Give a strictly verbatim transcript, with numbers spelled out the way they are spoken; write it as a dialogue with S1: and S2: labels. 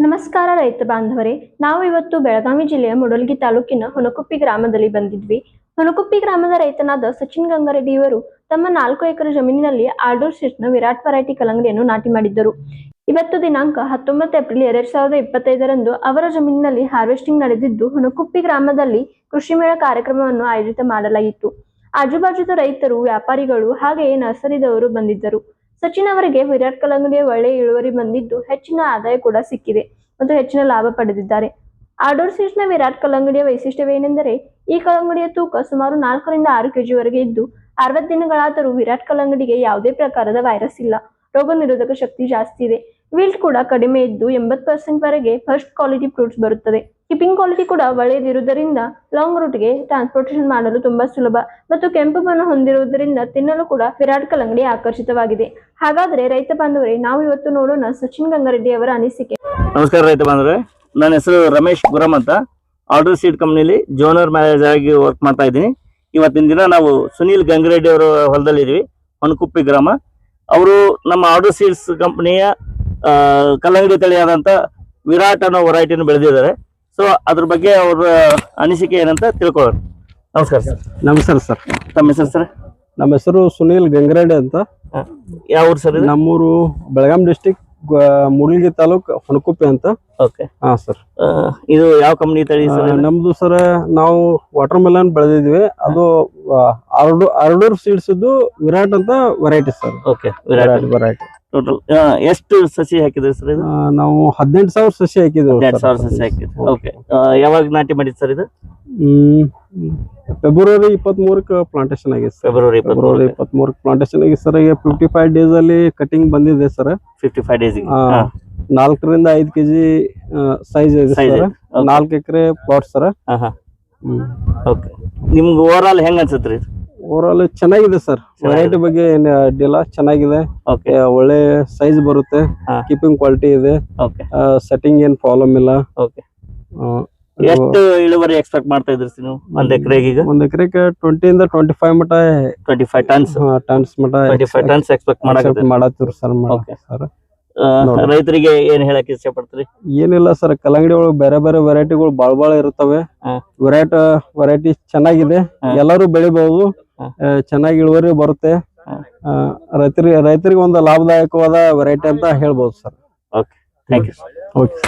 S1: ನಮಸ್ಕಾರ ರೈತ ಬಾಂಧವರೇ, ನಾವು ಇವತ್ತು ಬೆಳಗಾವಿ ಜಿಲ್ಲೆಯ ಮುಡಲಗಿ ತಾಲೂಕಿನ ಹುನಕುಪ್ಪಿ ಗ್ರಾಮದಲ್ಲಿ ಬಂದಿದ್ವಿ. ಹುನಕುಪ್ಪಿ ಗ್ರಾಮದ ರೈತನಾದ ಸಚಿನ್ ಗಂಗಾರೆಡ್ಡಿ ಇವರು ತಮ್ಮ ನಾಲ್ಕು ಎಕರೆ ಜಮೀನಿನಲ್ಲಿ ಆರ್ಡರ್ ಸೀಡ್ಸ್ನ ವಿರಾಟ್ ವೆರೈಟಿ ಕಲ್ಲಂಗಡಿಯನ್ನು ನಾಟಿ ಮಾಡಿದ್ದರು. ಇವತ್ತು ದಿನಾಂಕ ಹತ್ತೊಂಬತ್ತು ಏಪ್ರಿಲ್ ಎರಡ್ ಸಾವಿರದ ಇಪ್ಪತ್ತೈದರಂದು ಅವರ ಜಮೀನಿನಲ್ಲಿ ಹಾರ್ವೆಸ್ಟಿಂಗ್ ನಡೆದಿದ್ದು, ಹುನಕುಪ್ಪಿ ಗ್ರಾಮದಲ್ಲಿ ಕೃಷಿ ಮೇಳ ಕಾರ್ಯಕ್ರಮವನ್ನು ಆಯೋಜಿತ ಮಾಡಲಾಗಿತ್ತು. ಆಜುಬಾಜುದ ರೈತರು, ವ್ಯಾಪಾರಿಗಳು ಹಾಗೆಯೇ ನರ್ಸರಿದವರು ಬಂದಿದ್ದರು. ಸಚಿನ್ ಅವರಿಗೆ ವಿರಾಟ್ ಕಲ್ಲಂಗಡಿಯ ಒಳ್ಳೆಯ ಇಳುವರಿ ಬಂದಿದ್ದು, ಹೆಚ್ಚಿನ ಆದಾಯ ಕೂಡ ಸಿಕ್ಕಿದೆ ಮತ್ತು ಹೆಚ್ಚಿನ ಲಾಭ ಪಡೆದಿದ್ದಾರೆ. ಆರ್ಡರ್ ಸೀಡ್ಸ್ನ ವಿರಾಟ್ ಕಲ್ಲಂಗಡಿಯ ವೈಶಿಷ್ಟ್ಯವೇನೆಂದರೆ, ಈ ಕಲ್ಲಂಗಡಿಯ ತೂಕ ಸುಮಾರು ನಾಲ್ಕರಿಂದ ಆರು ಕೆಜಿ ವರೆಗೆ ಇದ್ದು, ಅರವತ್ತು ದಿನಗಳಾದರೂ ವಿರಾಟ್ ಕಲ್ಲಂಗಡಿಗೆ ಯಾವುದೇ ಪ್ರಕಾರದ ವೈರಸ್ ಇಲ್ಲ. ರೋಗ ನಿರೋಧಕ ಶಕ್ತಿ ಜಾಸ್ತಿ ಇದೆ. ವಿಲ್ಟ್ ಕೂಡ ಕಡಿಮೆ ಇದ್ದು, ಎಂಬತ್ತು ಪರ್ಸೆಂಟ್ ವರೆಗೆ ಫಸ್ಟ್ ಕ್ವಾಲಿಟಿ ಫ್ರೂಟ್ಸ್ ಬರುತ್ತದೆ. ಕೀಪಿಂಗ್ ಕ್ವಾಲಿಟಿ ಕೂಡ ಒಳ್ಳೆಯದಿರುವುದರಿಂದ ಲಾಂಗ್ ರೂಟ್ಗೆ ಟ್ರಾನ್ಸ್ಪೋರ್ಟೇಷನ್ ಮಾಡಲು ತುಂಬಾ ಸುಲಭ ಮತ್ತು ಕೆಂಪು ಬಣ್ಣ ಹೊಂದಿರುವುದರಿಂದ ತಿನ್ನಲು ಕೂಡ ವಿರಾಟ್ ಕಲ್ಲಂಗಡಿ ಆಕರ್ಷಿತವಾಗಿದೆ. ಹಾಗಾದ್ರೆ ರೈತ ಬಾಂಧವರೇ, ನಾವು ಇವತ್ತು ನೋಡೋಣ ಸಚಿನ್ ಗಂಗಾರೆಡ್ಡಿ ಅವರ ಅನಿಸಿಕೆ.
S2: ನಮಸ್ಕಾರ ರೈತ ಬಾಂಧವರೇ, ನನ್ನ ಹೆಸರು ರಮೇಶ್ ಗುರಮ್ ಅಂತ. ಆರ್ಡರ್ ಸೀಡ್ ಕಂಪ್ನಿಲಿ ಜೋನರ್ ಮ್ಯಾನೇಜರ್ ಆಗಿ ವರ್ಕ್ ಮಾಡ್ತಾ ಇದ್ದೀನಿ. ಇವತ್ತಿನ ದಿನ ನಾವು ಸುನೀಲ್ ಗಂಗಾರೆಡ್ಡಿ ಅವರ ಹೊಲದಲ್ಲಿ ಇದೀವಿ, ಹುನಕುಪ್ಪಿ ಗ್ರಾಮ. ಅವರು ನಮ್ಮ ಆರ್ಡರ್ ಸೀಡ್ಸ್ ಕಂಪನಿಯ ಕಲ್ಲಂಗಡಿ ತಳಿಯಾದಂತ ವಿರಾಟ್ ಅನ್ನೋ ವೆರೈಟಿನ ಬೆಳೆದಿದ್ದಾರೆ. ಸೊ ಅದ್ರ ಬಗ್ಗೆ ಅವರ ಅನಿಸಿಕೆ ಏನಂತ ತಿಳ್ಕೊಳ್ಳೋಣ. ನಮಸ್ಕಾರ ಸರ್.
S3: ನಮಸ್ಕಾರ ಸರ್.
S2: ತಮ್ಮ ಹೆಸರು ಸರ್?
S3: ನಮ್ಮ ಹೆಸರು ಸುನೀಲ್ ಗಂಗಾರೆಡ್ಡಿ ಅಂತ.
S2: ಯಾವ ಊರು ಸರ್?
S3: ನಮ್ಮೂರು ಬೆಳಗಾಂ ಡಿಸ್ಟಿಕ್, ಮುಡಲಗಿ ತಾಲೂಕ್, ಹುನಕುಪ್ಪಿ ಅಂತ.
S2: ಓಕೆ.
S3: ಹಾ ಸರ್.
S2: ಇದು ಯಾವ ಕಂಪನಿ ತಳಿ ಸರ್?
S3: ನಮ್ದು ಸರ್, ನಾವು ವಾಟರ್ ಮೆಲನ್ ಬೆಳೆದಿದ್ವಿ. ಅದು ಆರ್ಡರ್ ಸೀಡ್ಸ್ ವಿರಾಟ್ ಅಂತ variety sir.
S2: Okay, Virat
S3: variety.
S2: Total ಎಷ್ಟು ಸಸಿ ಹಾಕಿದ್ರಿ ಸರ್? ಇದು
S3: ನಾವು ಹದಿನೆಂಟು ಸಾವಿರ ಸಸಿ ಹಾಕಿದ್ವಿ.
S2: ಹದಿನೆಂಟು ಸಾವಿರ ಸಸಿ ಹಾಕಿದ್ವಿ. ಓಕೆ. ಯಾವಾಗ ನಾಟಿ ಮಾಡಿದ್ ಸರ್ ಇದು?
S3: ಹ್ಮ್ ಫೆಬ್ರವರಿ ಇಪ್ಪತ್ತ್ ಮೂರಕ್ಕೆ ಪ್ಲಾಂಟೇಶನ್ ಆಗಿದೆ.
S2: ಫೆಬ್ರವರಿ
S3: ಫೆಬ್ರವರಿ ಇಪ್ಪತ್ತ್ ಮೂರಕ್ಕೆ ಪ್ಲಾಂಟೇಶನ್ ಆಗಿದೆ ಸರ್. ಈಗ ಫಿಫ್ಟಿ ಫೈವ್ ಡೇಸ್ ಅಲ್ಲಿ ಕಟಿಂಗ್ ಬಂದಿದೆ ಸರ್.
S2: ಫಿಫ್ಟಿ ಫೈವ್ ಡೇಸ್
S3: ನಾಲ್ಕರಿಂದ ಐದು ಕೆಜಿ ಸೈಜ್ ಇದೆ ಸರ್. ನಾಲ್ಕು ಎಕರೆ ಪ್ಲಾಟ್ ಸರ್.
S2: ಓಕೆ. ನಿಮ್ಗೆ ಓವರ್ ಆಲ್ ಹೆಂಗ್ ಅನ್ಸತ್ರಿ?
S3: ಓವರ್ ಆಲ್ ಚೆನ್ನಾಗಿದೆ ಸರ್. ವೆರೈಟಿ ಬಗ್ಗೆ ಏನ್ ಅಡ್ಡಿಲ್ಲ, ಚೆನ್ನಾಗಿದೆ.
S2: ಓಕೆ.
S3: ಒಳ್ಳೆ ಸೈಜ್ ಬರುತ್ತೆ, ಕೀಪಿಂಗ್ ಕ್ವಾಲಿಟಿ ಇದೆ, ಸೆಟ್ಟಿಂಗ್ ಏನ್ ಪ್ರಾಬ್ಲಮ್ ಇಲ್ಲ.
S2: ಓಕೆ. ಎಷ್ಟು ಇಳುವರಿ ಎಕ್ಸ್ಪೆಕ್ಟ್ ಮಾಡ್ತಾ ಇದ್ರಿ ನೀವು ಒಂದ್ ಎಕರೆಗೆ? ಈಗ ಒಂದ್
S3: ಎಕರೆಗೆ ಟ್ವೆಂಟಿ ಇಂದ ಟ್ವೆಂಟಿ ಫೈವ್ ಮಟ
S2: ಟ್ವೆಂಟಿ ಫೈವ್ ಟನ್ಸ್
S3: ಟನ್ಸ್ ಮಟ
S2: ಟ್ವೆಂಟಿ ಫೈವ್ ಟನ್ಸ್ ಎಕ್ಸ್ಪೆಕ್ಟ್
S3: ಮಾಡತ್ತೀವಿ ಸರ್. ಸರ್
S2: ರೈತರಿಗೆ ಏನ್ ಹೇಳಕ್ ಇಷ್ಟ ಪಡ್ತೀರಿ?
S3: ಏನಿಲ್ಲ ಸರ್, ಕಲ್ಲಂಗಡಿ ಒಳಗೆ ಬೇರೆ ಬೇರೆ ವೆರೈಟಿಗಳು ಬಾಳ ಬಾಳ ಇರ್ತವೆ. ವೆರೈಟಿ ವೆರೈಟಿ ಚೆನ್ನಾಗಿದೆ, ಎಲ್ಲರೂ ಬೆಳಿಬಹುದು, ಚೆನ್ನಾಗಿ ಇಳುವರಿ ಬರುತ್ತೆ. ರೈತರಿಗೆ ರೈತರಿಗೆ ಒಂದು ಲಾಭದಾಯಕವಾದ ವೆರೈಟಿ ಅಂತ ಹೇಳ್ಬೋದು sir.
S2: Okay, thank you.
S3: Okay.